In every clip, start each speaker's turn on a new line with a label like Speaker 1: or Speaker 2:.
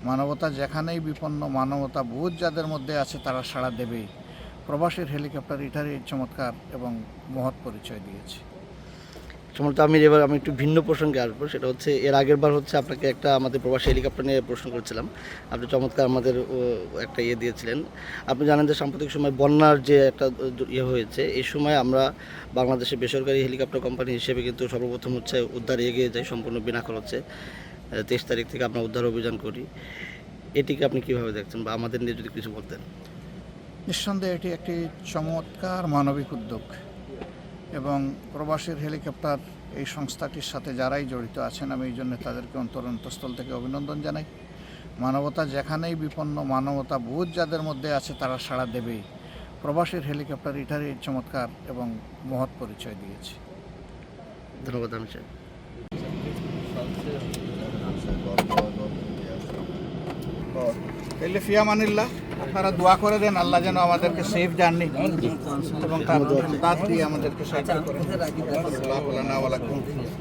Speaker 1: মানবতা যেখানেই বিপন্ন, মানবতা বোধ যাদের মধ্যে আছে তারা সাড়া দেবেই। প্রবাসীর হেলিকপ্টার এটারই চমৎকার এবং মহৎ পরিচয় দিয়েছে।
Speaker 2: সম্ভবত আমি একটু ভিন্ন প্রসঙ্গে আসবো, সেটা হচ্ছে এর আগের বার হচ্ছে আপনাকে একটা আমাদের প্রবাসী হেলিকপ্টার নিয়ে প্রশ্ন করেছিলাম। আপনি চমৎকার আমাদের একটা দিয়েছিলেন। আপনি জানেন যে সাম্প্রতিক সময় বন্যার যে একটা হয়েছে, এই সময় আমরা বাংলাদেশের বেসরকারি হেলিকপ্টার কোম্পানি হিসেবে কিন্তু সর্বপ্রথম হচ্ছে উদ্ধারে এগিয়ে যাই সম্পূর্ণ বিনা খরচে। 23 তারিখ থেকে আমরা উদ্ধার অভিযান করি। এটিকে আপনি কীভাবে দেখছেন বা আমাদের নিয়ে যদি কিছু বলতেন?
Speaker 1: নিঃসন্দেহে এটি একটি চমৎকার মানবিক উদ্যোগ এবং প্রবাসীর হেলিকপ্টার এই সংস্থাটির সাথে যারাই জড়িত আছেন, আমি এই জন্য তাদেরকে অন্তঃস্থল থেকে অভিনন্দন জানাই। মানবতা যেখানেই বিপন্ন, মানবতা বোধ যাদের মধ্যে আছে তারা সাড়া দেবেই। প্রবাসীর হেলিকপ্টার এটারই চমৎকার এবং মহৎ পরিচয় দিয়েছে।
Speaker 2: ধন্যবাদ আমি স্যার।
Speaker 1: তাহলে ফিয়ামানিল্লাহ, আপনারা দোয়া করে দেন আল্লাহ যেন আমাদেরকে সেফ জার্নি এবং তার দাঁত দিয়ে আমাদেরকে সাহায্য করেন। আল্লাহু লানা ওয়া লাকুম।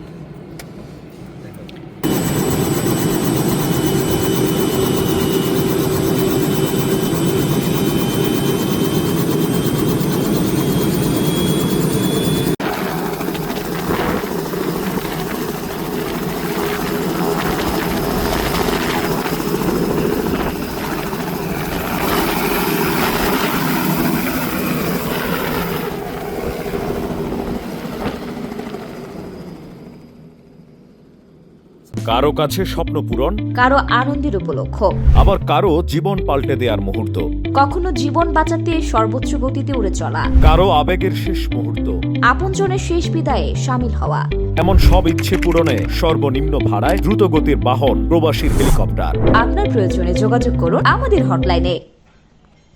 Speaker 3: কারো কাছে স্বপ্ন পূরণ,
Speaker 4: কারো আনন্দের উপলক্ষ,
Speaker 3: আবার কারো জীবন পাল্টে দেওয়ার মুহূর্ত,
Speaker 4: কখনো জীবন বাঁচাতে সর্বোচ্চ গতিতে উড়ে চলা,
Speaker 3: কারো আবেগের শেষ মুহূর্ত,
Speaker 4: আপনজনের শেষ বিদায়ে শামিল হওয়া।
Speaker 3: এমন সব ইচ্ছে পূরণে সর্বনিম্ন ভাড়ায় দ্রুতগতির বাহন প্রবাসীর হেলিকপ্টার।
Speaker 4: আপনার প্রয়োজনে যোগাযোগ করুন আমাদের হটলাইনে।